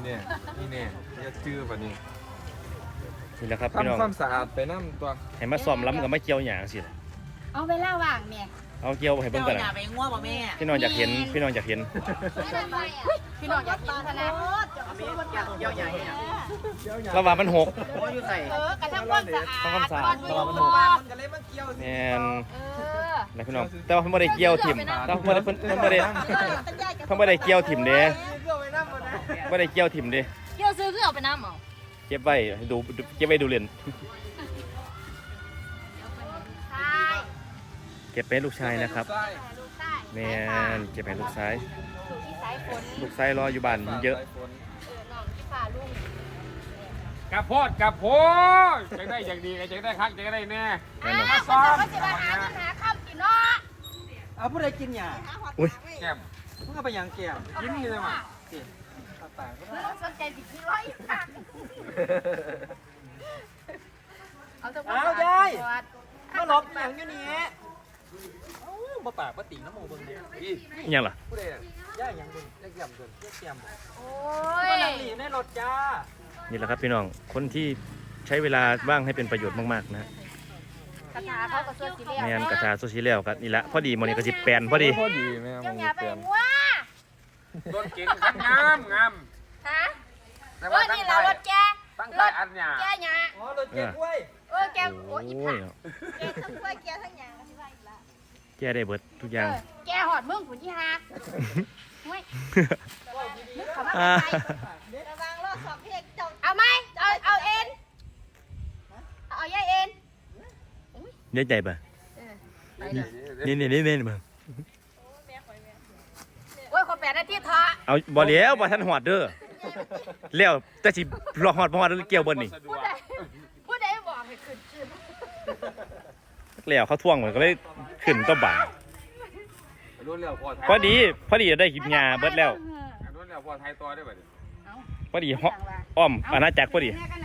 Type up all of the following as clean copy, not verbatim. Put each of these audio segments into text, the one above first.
เนี่ยอย่าจื้อป่ะนี่นี่แหละครับพี่น้องทำความสะอาดไปน้ำตัวให้มาซ้อมล้ำกับมาเกี่ยวหยางสิเอาเวลาว่างแม่เอาเกี่ยวให้เบิ่งกันอย่าไปง่วงบ่แม่พี่น้องอยากเห็นพี่น้องอยากเห็นพี่น้องอยากกินขนาดเกี่ยวใหญ่ระหว่างมันหกอยู่ใส่กระทั่งความสะอาดทำความสะอาดระหว่างมันหกก็เลยมาเกี่ยวแม่นนะพี่น้องแต่ว่าเพิ่นบ่ได้เกี่ยวถิ่มแต่เพิ่นบ่ได้เพิ่นบ่ได้เกี่ยวถิ่มเด้บ่ได้เกี่ยวถิ่มเด้เกี่ยวซื้อคือเอาไปน้ำเอาเก็บไว้ให้ดูเก็บไว้ดูเล่นใช่เก็บไปให้ลูกชายนะครับลูกใต้แม่นเก็บไปให้ลูกชายอยู่ที่สายฝนลูกชายรออยู่บ้านเยอะน้องที่ฝ่าลุงกับโพดจะได้อย่างดีจะได้คักจะได้แน่แน่นอนซ้อมก็จะมาหาเงินหาข้าวกินเนาะเอาผู้ใดกินหยาอุ้ยแก้มมึงก็ไปยังแก้วกินนี่เลยมั้งปากก็ไม่ต้องสนใจสิคือร้อยค่ะเอาตัวเอายายมาหลบอย่างอยู่นี่บ่ปากบ่ติ่งน้ำมูเบิ่งเด้อิหยังล่ะผู้ใดย่าอย่างเบิ่งย่าแก้มเบิ่งย่าแก้มโอ้บ่ยนั่งหลีในรถจ้านี่แหละครับพี่น้องคนที่ใช้เวลาว่างให้เป็นประโยชน์มากๆนะฮะคาถาเขาก็สวดสีเหลี่ยมแม่นกระทาโซเชียลครับนี่แหละพอดีมื้อนี้ก็สิแปลนพอดีพอดีแม่เจ้ามึงหยาไปเปลี่ยนว่ารถเก๋งคันงามฮะแต่เอว่าอตั้งนี่ใจเรารถแกตั้งใจอันหยาแกหยาอ๋อรถเก็บกล้วยแกโอ้ยอีโอ้ผัยกแกทั้งกล้วยแกทั้งหยาก็สิว่าอีกละแก้ได้เบิดทุกอย่างแกหอดมึงผุนที่หักเฮ้ยมึงเขามาอ่าระวังรถสอบเพกเอาไหมเอาเอ็นเอายายเอ็นเนื้อใจป่ะนี่มาโอ้ยคนแปดนาทีเถอะเอาบ่แล้วบ่ทันหอดเด้อแล้วแต่สิรอหอดบ่ฮอดเกี่ยวเบิดนี่ผู้ใดบอกให้ขึ้นแล้วเขาท่วงมันก็เลยขึ้นก็บ่ารุ่นเร็วพอไทยพอดีได้กินยาเบิดแล้วรุ่นเร็วพอไทยตัวได้ป่ะพอดีอ้อมอาณาจักรพอดี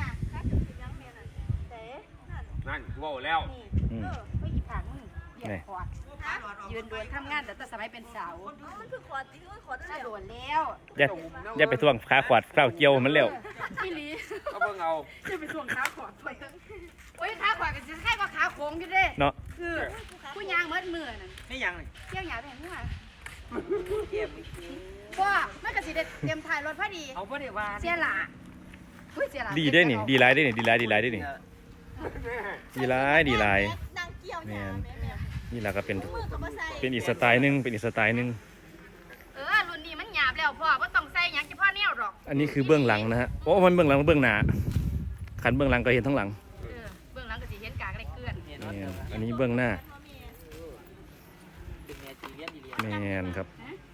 นั่นว่าแล้วอืมไม่อีผังเหยียบคอดยืนโดนทำงานแต่สมัยเป็นสาวมันคือคอดที่คอดโดนแล้วอย่าไปท่วงขาขวาดข้าวเกี่ยวมันแล้วพี่ลีก็เพิ่งเอาจะไปทวงขาขอดไปโอ้ยขาขอดกันจะให้ว่าขาโค้งอยู่เด้เนาะคือผู้ยางเมื่อมือนั่นนี่ยังนี่เที่ยวหยาไปเห็นมั้ยเก็บว่ามันก็สิได้เตรียมถ่ายรถพอดีเอาบ่ได้ว่าเสียหละอุ้ยเสียหละดีได้นี่ดีหลายได้นี่ดีหลายได้นี่ดีหลายแม่นนี่ล่ะก็เป็นอีกสไตล์หนึงเป็นอีกสไตล์หนึงรุ่นนี้มันหยาบแล้วพ่อว่าต้องใส่หยังจะพ่อแนวหรอกอันนี้คือเบื้องหลังนะฮะโอ้มันเบื้องหลังเบื้องหน้าขันเบื้องหลังก็เห็นทั้งหลังเบื้องหลังก็สิเห็นกากได้เกลื่อนแม่นอันนี้เบื้องหน้าเป็นแม่จีเรียนดีแม่นครับ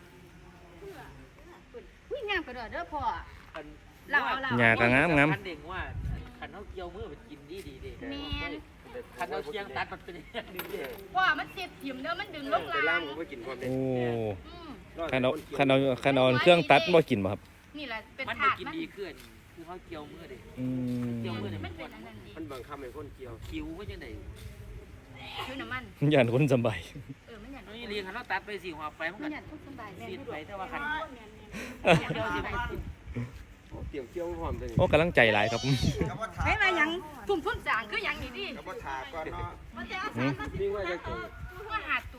อุ้ยงามกระโดดเด้อพ่อเราหญ้าก็งามคันเด็กว่าคันเฮาเกี่ยวมือไปกินดีเด้คันเฮาเคียงตัดมันเป็นอย่างนึงเด้พ่อมันเสียบถิ่มเด้อมันดึงลงไปล่าล่างงผมไปกินความโอ้ขันเอาเครื่องตัดบ่กินบ่ครับนี่แหละเป็นมันถาได้ดกินมันดีขึ้นคือเฮาเกี่ยวมือเด้อืมเกี่ยวมือเนี่ยมันเป็นอันนั้นดีมันบังคับให้คนเกี่ยวคิวว่าจังได๋คือน้ำมันย่านคนสบายมันหยันนี่เรียนคันเราตัดไปสิหัวไปมันมัก็นหยันทุกสบายแม่ซีดดูไปด้วยแต่ว่าคันเเกี่ยวสิไปกินเตรียมเกี่ยวความตัวนี้โอ้กำลังใจหลายครับฮ้ยมาหยังทุ่มทุ่มจางคือหยังนี่ดิกับว่าถาก่อนเนาะมันจะเอาอืสาม รมานี่ว่าจะเกิดว่าหาดตัว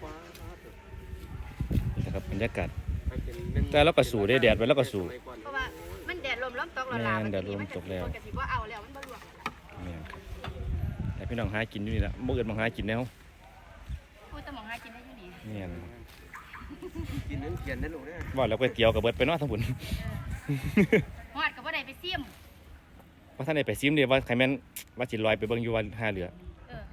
นี่นะครับบรรยากาศไปเป็นแต่เราก็สู้ได้แดดไว้แล้วก็สู้เพราะว่ามันแดดลมล้มตกแล้วล่ะมันกะสิบ่เอาแล้วมันบ่ลวกนี่ครับแต่พี่น้องหากินอยู่นี่ละบ่อื่นมาหากินแล้วโอ้ยตะหมองหากินได้อยู่นี่เนี่ยกินนั้นเขียนนั่นลูกเนี่ยว่าแล้วก๋วยเตี๋ยวกับเบิดไปเนาะทั้งบุญฮอดก็บ่ได้ไปซิมว่าท่านได้ไปซิมเด้ว่าใครแม่นว่าสิลอยไปเบิ่งอยู่วันหาเรือเออ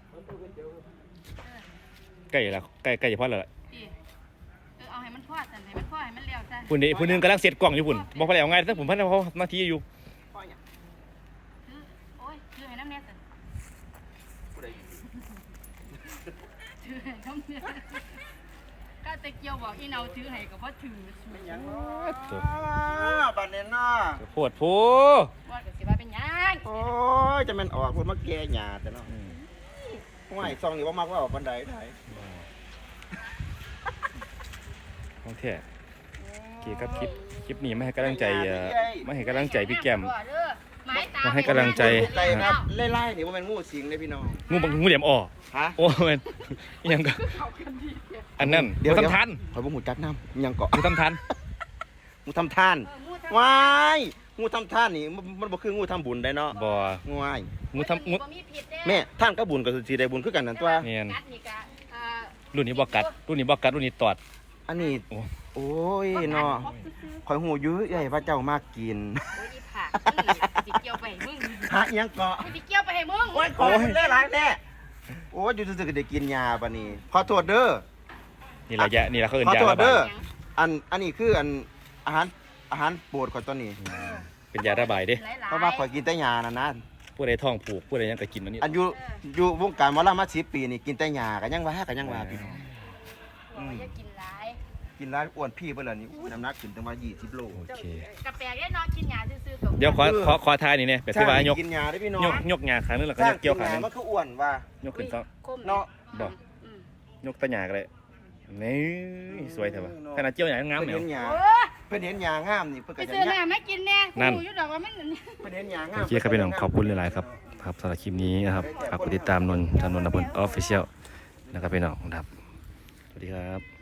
ใกล้ละใกล้จะพอแล้วล่ะดิเอาให้มันพอดซั่นให้มันพอให้มันแล้วซะพุ่นนี่ผู้หนึงกำลังเสร็จกล่องอยู่พุ่นบ่พอแล้วง่ายแต่ผมพันเขานาทีอยู่โอ้ยถือให้น้ำแน่ซั่นผู้ใดถือให้น้ำแน่ก็ตะเกียวบอกอีเนาถือให้ก็บ่ถือยังตัวบัดนี้เนาะโพดโพว่าก็สิว่าเป็นหยังโอ้ยจะแม่นออกเพิ่นมาแก่หญ้าแต่เนาะห้วยซองนี่บ่มักว่าออกปานใดได้ของแท้เคครับคลิปนี้มาให้กำลังใจมาให้กำลังใจพี่แก้มไม้ตามาให้กำลังใจไก่ครับไล่ๆนี่ว่ามันงูสิงเลยพี่น้องงูเหลี่ยมอ้อฮะโอ้แม่นอิหยังก็อันนั้นงูทำทันข่อยบ่หูจักน้ำยังเกาะงูทำทันงูทำท่านว้ายงูทำท่านนี่มันบ่คืองูทำบุญได้เนาะบ่งูอ้ายงูทำงูแม่ท่านก็บุญก็สิได้บุญคือกันนั่นตัวแม่นกัดนี่ก็รุ่นนี้บ่กัดรุ่นนี้ตอดอันนี้โอ้โอ้ยเนาะข่อยหูอยู่ใหญ่พระเจ้ามากกินโอ้ยอีผักสิเกี่ยวไปให้มึงฮะอิหยังเกาะสิเกี่ยวไปให้มึงโอ้ยขอเล่หลายแน่โอ้ยอยู่ซื่อๆก็ได้กินยาบัดนี้ขอโทษเด้อนี่ละนี่ละเขาเอิ้นขอยาโทษระบาเด้ยออันนี้คืออาหารโปรดข่อยตัวนี้เป็นยาระบายเด้เพราะว่าข่อยกินแต่ยานั่นนะผู้ใดท้องผูกผู้ใดหยังก็กินอันนี้อันอยู่วงการหมอลำมา10 ปีนี่กินแต่ยาก็ยังว่าพี่น้องอย่ากินหลายกินแล้วอ้วนพี่เบิ่นล่ะนี่อู้น้ำหนักขึ้นตั้งมา20 โลโอเคกาแฟได้นอนกินยาซื่อๆกับเดี๋ยวขอทายนี่เนี่ยแบบที่ว่ายกกินยาได้พี่น้องยกหญ้าขานึงแล้วก็สร้างยกเกี่ยวกิขาน นึยาง มันคืออ้วนว่ายกขึ้นซะเนาะบ่ยกตะหญ้าก็ได้นี่สวยแท้ว่ะขนาดเกี่ยวหญ้างามเพิ่นเนี่ยเห็นยาโอ้เพิ่นเห็นยางามนี่เพิ่นไปก็จะซื้อยักน้ำไม่กินแน่นั่นกูอยู่ดอกว่ามันเพิ่นเห็นยางามโอเคครับพี่น้องขอบคุณหลายๆครับสำหรับคลิปนี้นะครับฝากกดติดตามนนท์ถนนนพลออฟฟิเชียลนะครับพี่น้องครับสวัสดีครับ